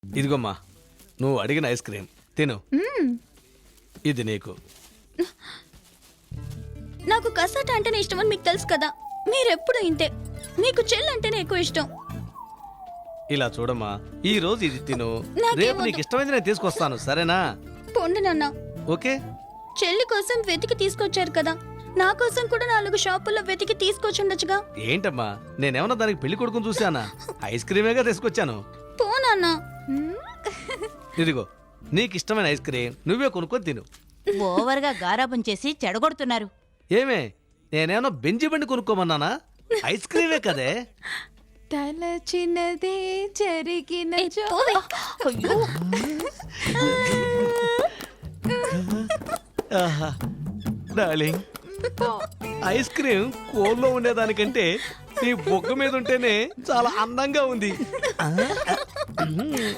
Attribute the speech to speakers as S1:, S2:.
S1: ఇదిగోమ్మా, నువ్వు అడిగిన ice cream తిను. ఇది నీకు.
S2: నాకు కసాట అంటేనే ఇష్టం అని మీకు తెలుసు కదా. మీరెప్పుడు ఇంతే. మీకు చెల్లంటేనే ఎక్కువ ఇష్టం.
S1: ఇలా చూడమ్మా, ఈ రోజు ఇది తిను,
S2: నాకేం
S1: రేపు
S2: వద్దు.
S1: నీకు ఇష్టమైంది నేను తీసుకొస్తాను, సరేనా?
S2: పొండి నాన్న.
S1: ఓకే.
S2: చెల్లి కోసం వెతికి తీసుకొచ్చారు కదా, నా కోసం కూడా 4 షాపుల్లో వెతికి తీసుకొచ్చుండొచ్చుగా.
S1: ఏంటమ్మా, నేనేమన్నా దానికి పెళ్లి కొడుకుని చూసానా? ఐస్ క్రీమేగా తీసుకొచ్చాను.
S2: పో నాన్న.
S1: ఇదిగో నీకు ఇష్టమైన ఐస్ క్రీమ్ నువ్వే కొనుక్కొని తిను.
S3: ఓవర్గా గారాబం చేసి చెడగొడుతున్నారు.
S1: ఏమే, నేనేమన్నా బెంజి బండి కొనుక్కోమన్నానా? ఐస్ క్రీమే కదే.
S4: తలచినదే జరిగిన
S2: ఏ, పోవే.
S3: అయ్యో,
S1: ఆహా, డార్లింగ్, ఐస్ క్రీమ్ కోల్లో ఉండేదానికంటే నీ బొగ్గ మీద ఉంటేనే చాలా అందంగా ఉంది.